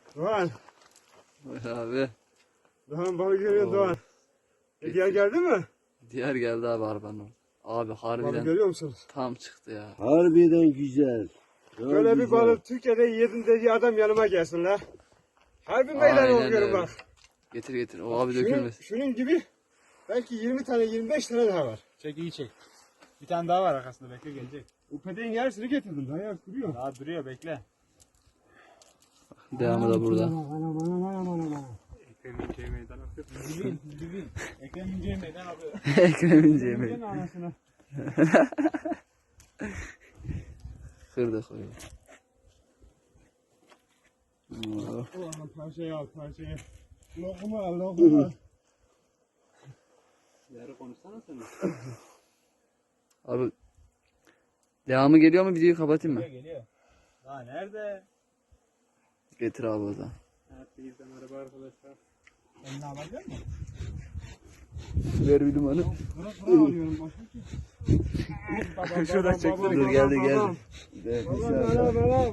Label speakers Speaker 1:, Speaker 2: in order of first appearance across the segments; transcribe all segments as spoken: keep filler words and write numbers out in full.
Speaker 1: Doğan.
Speaker 2: Buyur abi.
Speaker 1: Doğan balık görüyor
Speaker 2: Oo.
Speaker 1: Doğan. E, diğer geldi mi?
Speaker 2: Diğer geldi abi arabanın. Abi
Speaker 1: Balık
Speaker 2: harbiden
Speaker 1: görüyor musunuz?
Speaker 2: tam çıktı ya.
Speaker 3: Harbiden güzel. Çok
Speaker 1: Böyle bir
Speaker 3: güzel.
Speaker 1: balık Türkiye'de yedin dediği adam yanıma gelsin la. Harbi meydan
Speaker 2: Aynen
Speaker 1: okuyorum
Speaker 2: öyle.
Speaker 1: bak.
Speaker 2: Getir getir. O abi
Speaker 1: Şunun,
Speaker 2: dökülmesin.
Speaker 1: şunun gibi belki yirmi tane yirmi beş tane daha var.
Speaker 4: Çek iyi çek. Bir tane daha var arkasında, bekle gelecek.
Speaker 1: O peteğin yarısını getirdim. Daha yak duruyor.
Speaker 4: Daha duruyor, bekle.
Speaker 2: Devamı da burada.
Speaker 1: Anam anam anam anam anam.
Speaker 4: Ekrem İnce'ye meydan akıyor. Dibin, dibin. Ekrem İnce'ye meydan akıyor.
Speaker 2: Ekrem İnce'ye
Speaker 1: Yemin anasını.
Speaker 2: kırdık orayı.
Speaker 1: Ulan parçayı al parçayı. Lokma al lokma al.
Speaker 4: Yarı konuşsana sen.
Speaker 2: Abi devamı geliyor mu, videoyu kapatayım mı?
Speaker 4: Geliyor, geliyor. Daha nerede?
Speaker 2: Getir abi o zaman.
Speaker 4: Herkese merhaba arkadaşlar. Elini alabiliyor musun?
Speaker 2: Ver bir limanı.
Speaker 1: Bırak bırak alıyorum başka.
Speaker 4: Şurada çek.
Speaker 2: Dur geldi geldi.
Speaker 1: Anam anam.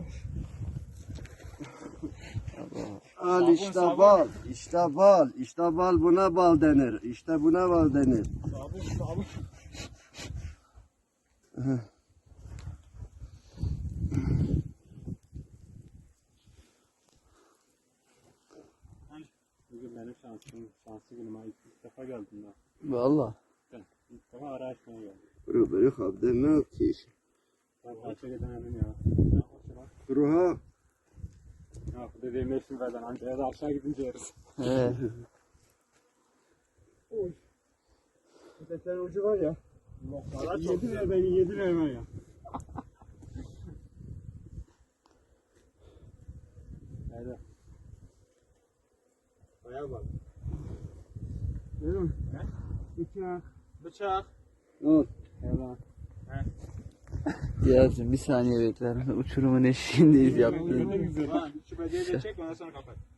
Speaker 3: Al işte bal, işte bal, işte bal, buna bal denir. İşte buna bal denir.
Speaker 4: Sabun, sabun. Bugün benim şansım, şanslı günüm. Ha, İlk defa geldim ben.
Speaker 2: Valla.
Speaker 4: Ben ilk defa ara açmaya geldim.
Speaker 3: Bırak bırak abi ne yapıyorsun?
Speaker 4: Ben kaça gidemedim ya. Ne yapıyorsun lan?
Speaker 3: Ruha.
Speaker 4: Ya bu dediğim meşhur beden. Ankara'da aşağı gidince yeriz.
Speaker 2: He.
Speaker 1: Oy. Peteklerin ucu var ya.
Speaker 4: Lokmalar çok
Speaker 1: Yediler
Speaker 4: güzel.
Speaker 1: beni yediler var ya.
Speaker 4: Nerede?
Speaker 1: Baya bak. Görüyor musun?
Speaker 4: Ne?
Speaker 1: Bıçak.
Speaker 4: Bıçak.
Speaker 3: Al.
Speaker 4: Eyvallah.
Speaker 2: Diyarcığım bir saniye bekler misin? Uçurumun eşiğindeyiz yaptığın.
Speaker 4: Lan şu bediye de çek, ondan sonra kapat.